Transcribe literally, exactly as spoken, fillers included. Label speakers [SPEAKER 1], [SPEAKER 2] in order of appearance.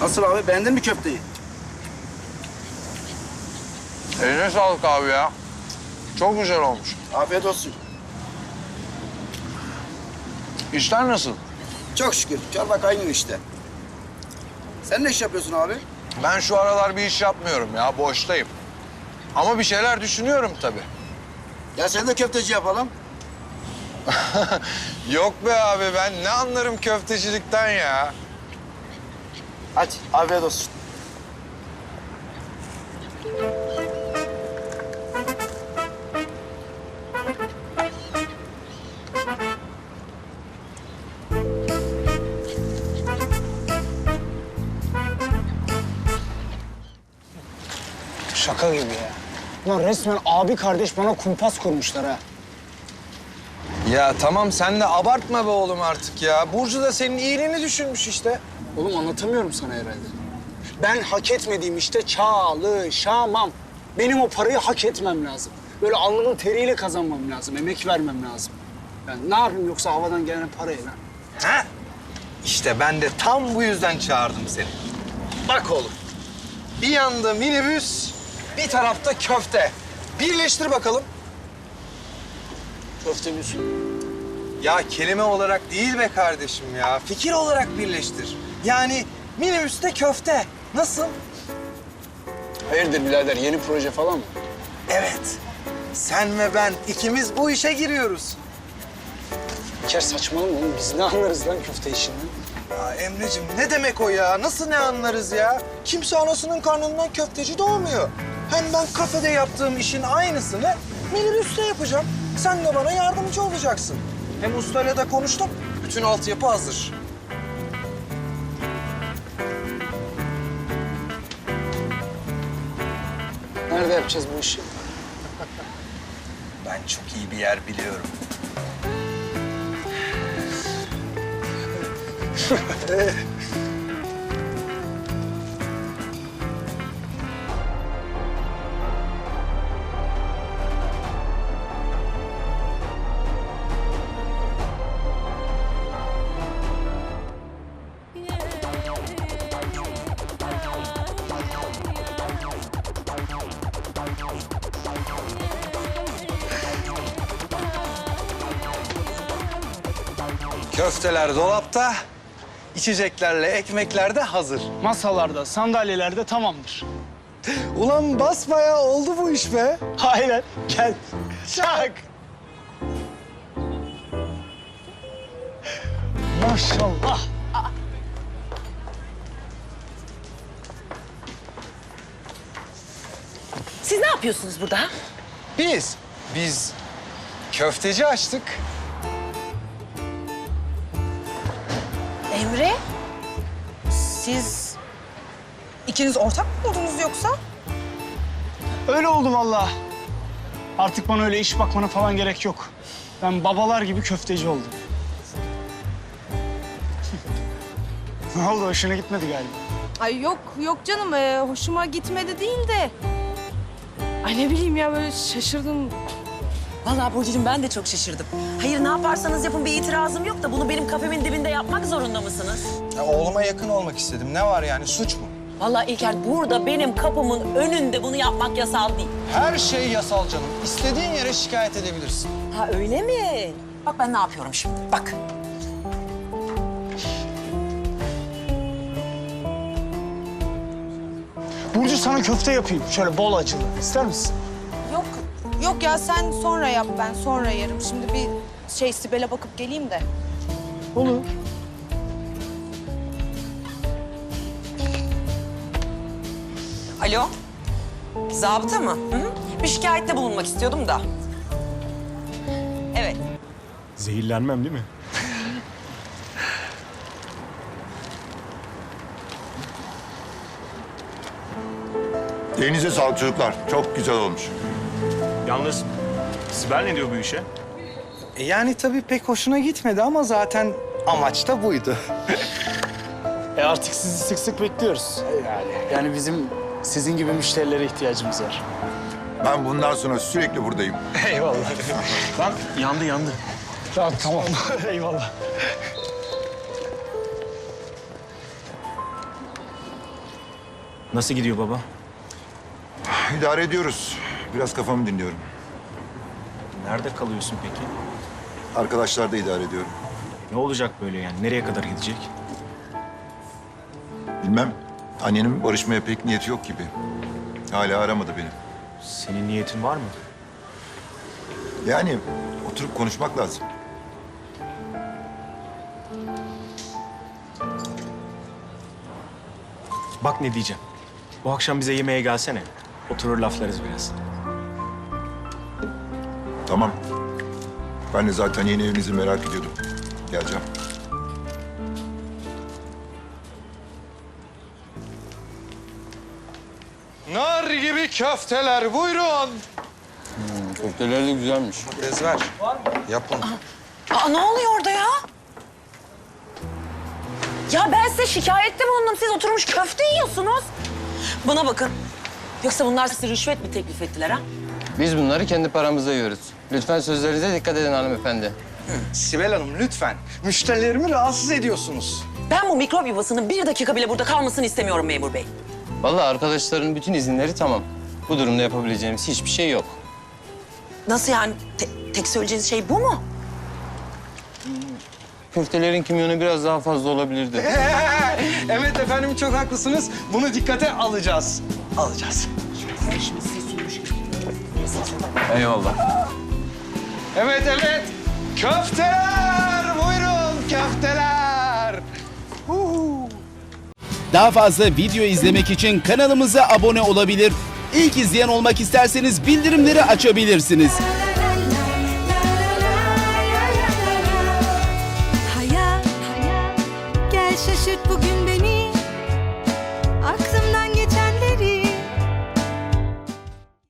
[SPEAKER 1] Nasıl abi, beğendin mi köfteyi?
[SPEAKER 2] Eline sağlık abi ya. Çok güzel olmuş.
[SPEAKER 1] Afiyet olsun.
[SPEAKER 2] İşler nasıl?
[SPEAKER 1] Çok şükür, çorba kaynıyor işte. Sen ne iş yapıyorsun abi?
[SPEAKER 2] Ben şu aralar bir iş yapmıyorum ya, boştayım. Ama bir şeyler düşünüyorum tabii.
[SPEAKER 1] Ya sen de köfteci yapalım.
[SPEAKER 2] Yok be abi, ben ne anlarım köftecilikten ya.
[SPEAKER 1] Hadi, afiyet olsun.
[SPEAKER 3] Şaka gibi ya. Ulan resmen abi kardeş bana kumpas kurmuşlar ha.
[SPEAKER 2] Ya tamam, sen de abartma be oğlum artık ya. Burcu da senin iyiliğini düşünmüş işte.
[SPEAKER 3] Oğlum anlatamıyorum sana herhalde. Ben hak etmediğim işte çalışamam. Benim o parayı hak etmem lazım. Böyle alnımın teriyle kazanmam lazım, emek vermem lazım. Ben ne yapayım yoksa havadan gelen parayla?
[SPEAKER 2] Ha? İşte ben de tam bu yüzden çağırdım seni. Bak oğlum, bir yanda minibüs, bir tarafta köfte. Birleştir bakalım.
[SPEAKER 3] Köfte müsün.
[SPEAKER 2] Ya kelime olarak değil be kardeşim ya. Fikir olarak birleştir. Yani minibüste köfte. Nasıl?
[SPEAKER 3] Hayırdır birader, yeni proje falan mı?
[SPEAKER 2] Evet. Sen ve ben ikimiz bu işe giriyoruz.
[SPEAKER 3] İlker saçmalama oğlum, biz ne anlarız lan köfte işinden?
[SPEAKER 2] Ya Emre'cim ne demek o ya? Nasıl ne anlarız ya? Kimse anasının karnından köfteci doğmuyor. Hem ben kafede yaptığım işin aynısını minibüste yapacağım. Sen de bana yardımcı olacaksın. Hem ustayla da konuştum. Bütün altyapı hazır.
[SPEAKER 3] Nerede yapacağız bu işi?
[SPEAKER 2] Ben çok iyi bir yer biliyorum. Köfteler dolapta, içeceklerle ekmekler de hazır.
[SPEAKER 3] Masalarda, sandalyelerde tamamdır.
[SPEAKER 2] Ulan basbayağı oldu bu iş be.
[SPEAKER 3] Aynen, gel. Çak! Maşallah.
[SPEAKER 4] Siz ne yapıyorsunuz burada?
[SPEAKER 2] Biz, biz köfteci açtık.
[SPEAKER 4] Emre, siz ikiniz ortak mı buldunuz yoksa?
[SPEAKER 3] Öyle oldu vallahi. Artık bana öyle iş bakmana falan gerek yok. Ben babalar gibi köfteci oldum. Ne oldu? Hoşuna gitmedi galiba.
[SPEAKER 5] Ay yok yok canım ee, hoşuma gitmedi değil de. Ay ne bileyim ya böyle şaşırdım.
[SPEAKER 4] Vallahi Burcu'cum ben de çok şaşırdım. Hayır ne yaparsanız yapın bir itirazım yok da bunu benim kafemin dibinde yapmak zorunda mısınız?
[SPEAKER 2] Ya, oğluma yakın olmak istedim. Ne var yani, suç mu?
[SPEAKER 4] Vallahi İlker burada benim kapımın önünde bunu yapmak yasal değil.
[SPEAKER 2] Her şey yasal canım. İstediğin yere şikayet edebilirsin.
[SPEAKER 4] Ha öyle mi? Bak ben ne yapıyorum şimdi bak.
[SPEAKER 3] Burcu sana köfte yapayım. Şöyle bol acılı. İster misin?
[SPEAKER 5] Yok yok ya sen sonra yap ben sonra yerim. Şimdi bir şey Sibel'e bakıp geleyim de.
[SPEAKER 3] Olur.
[SPEAKER 4] Alo? Zabıta mı? Hı hı. Bir şikayette bulunmak istiyordum da. Evet.
[SPEAKER 6] Zehirlenmem değil mi?
[SPEAKER 7] Elinize sağlık çocuklar. Çok güzel olmuş.
[SPEAKER 6] Yalnız Sibel ne diyor bu işe?
[SPEAKER 2] E yani tabii pek hoşuna gitmedi ama zaten amaç da buydu.
[SPEAKER 3] E artık sizi sık sık bekliyoruz. Yani, yani bizim sizin gibi müşterilere ihtiyacımız var.
[SPEAKER 7] Ben bundan sonra sürekli buradayım.
[SPEAKER 2] Eyvallah.
[SPEAKER 6] Lan yandı yandı.
[SPEAKER 3] Ya, tamam. Eyvallah.
[SPEAKER 6] Nasıl gidiyor baba?
[SPEAKER 7] İdare ediyoruz. Biraz kafamı dinliyorum.
[SPEAKER 6] Nerede kalıyorsun peki?
[SPEAKER 7] Arkadaşlar da idare ediyorum.
[SPEAKER 6] Ne olacak böyle yani? Nereye kadar gidecek?
[SPEAKER 7] Bilmem. Annenin barışmaya pek niyeti yok gibi. Hala aramadı beni.
[SPEAKER 6] Senin niyetin var mı?
[SPEAKER 7] Yani oturup konuşmak lazım.
[SPEAKER 6] Bak ne diyeceğim. Bu akşam bize yemeğe gelsene. Oturur laflarız biraz.
[SPEAKER 7] Tamam. Ben de zaten yeni evinizi merak ediyordum. Geleceğim.
[SPEAKER 2] Nar gibi köfteler buyurun.
[SPEAKER 8] Köfteler de güzelmiş.
[SPEAKER 2] Ezber. Yapın.
[SPEAKER 4] Aa, ne oluyor orada ya? Ya ben size şikayette bulundum. Siz oturmuş köfte yiyorsunuz. Bana bakın. Yoksa bunlar size rüşvet mi teklif ettiler ha?
[SPEAKER 8] Biz bunları kendi paramızda yiyoruz. Lütfen sözlerinize dikkat edin hanımefendi.
[SPEAKER 2] Sibel Hanım lütfen. Müşterilerimi rahatsız ediyorsunuz.
[SPEAKER 4] Ben bu mikrop yuvasının bir dakika bile burada kalmasını istemiyorum memur bey.
[SPEAKER 8] Vallahi arkadaşların bütün izinleri tamam. Bu durumda yapabileceğimiz hiçbir şey yok.
[SPEAKER 4] Nasıl yani? Te- tek söyleyeceğiniz şey bu mu?
[SPEAKER 8] Köftelerin kimyonu biraz daha fazla olabilirdi.
[SPEAKER 2] Evet efendim çok haklısınız. Bunu dikkate alacağız. Alacağız.
[SPEAKER 8] Eyvallah.
[SPEAKER 2] Evet evet. Köfteler buyurun köfteler. Huu.
[SPEAKER 9] Daha fazla video izlemek için kanalımıza abone olabilir. İlk izleyen olmak isterseniz bildirimleri açabilirsiniz.
[SPEAKER 10] Hayat, gel şaşırt bugün beni.